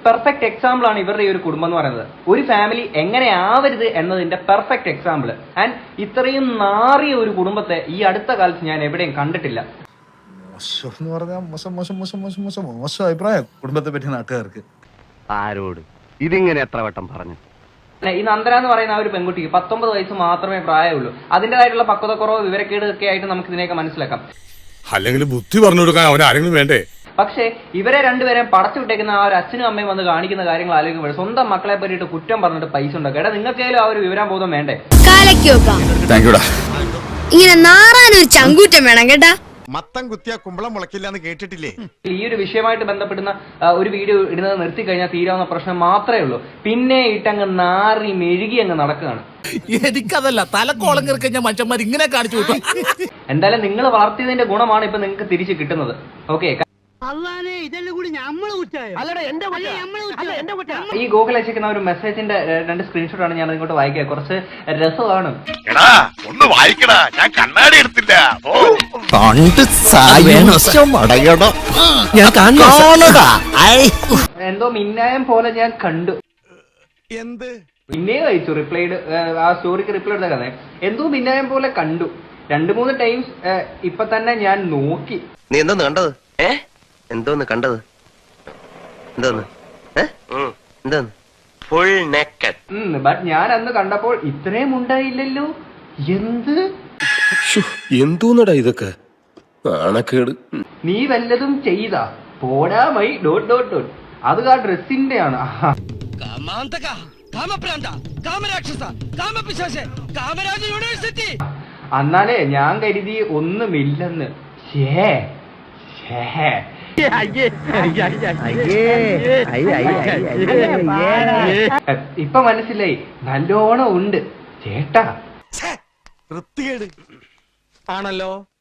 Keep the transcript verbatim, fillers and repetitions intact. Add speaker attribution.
Speaker 1: Perfect example ആണ് ഇവരുടെ ഈ ഒരു കുടുംബം എന്ന് പറയുന്നത്. ഒരു ഫാമിലി എങ്ങനെ ആവരുത് എന്നതിന്റെ പെർഫെക്റ്റ് എക്സാമ്പിൾ. ആൻഡ് ഇത്രയും നാറിയ ഒരു കുടുംബത്തെ ഈ അടുത്ത കാലത്ത് ഞാൻ എവിടെയും കണ്ടിട്ടില്ല.
Speaker 2: മോശം എന്ന് പറഞ്ഞാൽ മോശം മോശം മോശം മോശം മോശം മോശം അഭിപ്രായം കുടുംബത്തെ പറ്റി നാട്ടുകാർക്ക്.
Speaker 3: ആരോട് ഇതിങ്ങനെ എത്ര വട്ടം പറഞ്ഞു?
Speaker 1: ഈ നന്ദന എന്ന് പറയുന്ന ആ ഒരു പെൺകുട്ടിക്ക് പത്തൊമ്പത് വയസ്സ് മാത്രമേ പ്രായമുള്ളൂ. അതിൻ്റെതായിട്ടുള്ള പക്വതക്കുറവ് വിവരക്കേട് ഒക്കെ ആയിട്ട് നമുക്ക് ഇതിനെയൊക്കെ മനസ്സിലാക്കാം.
Speaker 4: അല്ലെങ്കിൽ ബുദ്ധി പറഞ്ഞു കൊടുക്കാൻ അവൻ ആരെങ്കിലും വേണ്ടേ?
Speaker 1: പക്ഷേ ഇവരെ രണ്ടുപേരെയും പടച്ചു വിട്ടേക്കുന്ന ആ ഒരു അച്ഛനും അമ്മയും വന്ന് കാണിക്കുന്ന കാര്യങ്ങൾ ആലോചിക്കുമ്പോൾ സ്വന്തം മക്കളെ പറ്റിയിട്ട് കുറ്റം പറഞ്ഞിട്ട് പൈസ ഉണ്ടാക്കുക. എടാ നിങ്ങൾക്കേലും ആ ഒരു വിവരാബോധം വേണ്ടേ?
Speaker 5: ഇങ്ങനെ നാറാനൊരു ചങ്കൂറ്റം വേണം കേട്ടാ.
Speaker 6: മത്തം കുത്തിയ കുമ്പളം മുളക്കില്ല എന്ന് കേട്ടിട്ടില്ലേ?
Speaker 1: ഈ ഒരു വിഷയമായിട്ട് ബന്ധപ്പെടുന്ന ഒരു വീഡിയോ ഇടുന്നത് നിർത്തി കഴിഞ്ഞാൽ തീരാവുന്ന പ്രശ്നം മാത്രമേ ഉള്ളൂ. പിന്നെ ഇട്ടങ്ങ് നാറി മെഴുകി അങ്ങ് നടക്കുകയാണ്.
Speaker 7: എനിക്കതല്ല തലക്കോളം കയറി കഴിഞ്ഞാൽ മനുഷ്യന്മാർ ഇങ്ങനെ കാണിച്ചു വിട്ടു.
Speaker 1: എന്തായാലും നിങ്ങൾ വളർത്തിയതിന്റെ ഗുണമാണ് ഇപ്പൊ നിങ്ങൾക്ക് തിരിച്ചു കിട്ടുന്നത്. ഓക്കെ, ഈ ഗൂഗിൾ അയച്ചിരിക്കുന്ന ഒരു മെസ്സേജിന്റെ രണ്ട് സ്ക്രീൻഷോട്ട് ആണ് ഞാൻ ഇങ്ങോട്ട് വായിക്കുക. കുറച്ച് രസമാണ്.
Speaker 4: ഒന്ന് വായിക്കടാ, ഞാൻ കണ്ണാടി എടുത്തില്ല.
Speaker 1: എന്തോ മിന്നായം പോലെ ഞാൻ കണ്ടു.
Speaker 6: എന്ത്
Speaker 1: പിന്നെയും അയച്ചു റിപ്ലൈഡ് ആ സ്റ്റോറിക്ക് റിപ്ലൈ എടുത്ത കഥ. എന്തോ മിന്നായം പോലെ കണ്ടു. രണ്ടു മൂന്ന് ടൈംസ് ഇപ്പൊ തന്നെ ഞാൻ നോക്കി.
Speaker 3: നീ എന്തോന്ന് കണ്ടത്? ഏ എന്തോന്ന് കണ്ടത്? എന്തോന്ന് എന്തോന്ന് ഫുൾ നെക്കഡ്.
Speaker 1: ബട്ട് ഞാൻ അന്ന് കണ്ടപ്പോൾ ഇത്രയും ഉണ്ടായില്ലല്ലോ. എന്ത്
Speaker 8: എന്തോന്നടാ ഇതൊക്കെ? നാണക്കേട്.
Speaker 1: നീ വല്ലതും ചെയ്താ പോടാ മൈ ഡോട്ട് ഡോട്ട് ഡോട്ട്. അത് ആ ഡ്രസ്സിന്റെ ആണ്. എന്നാലേ ഞാൻ കരുതി ഒന്നുമില്ലെന്ന്. ഷേ ഇപ്പൊ മനസ്സിലായി, നല്ലോണം ഉണ്ട് ചേട്ടാ.
Speaker 6: വൃത്തികേട് ആണല്ലോ.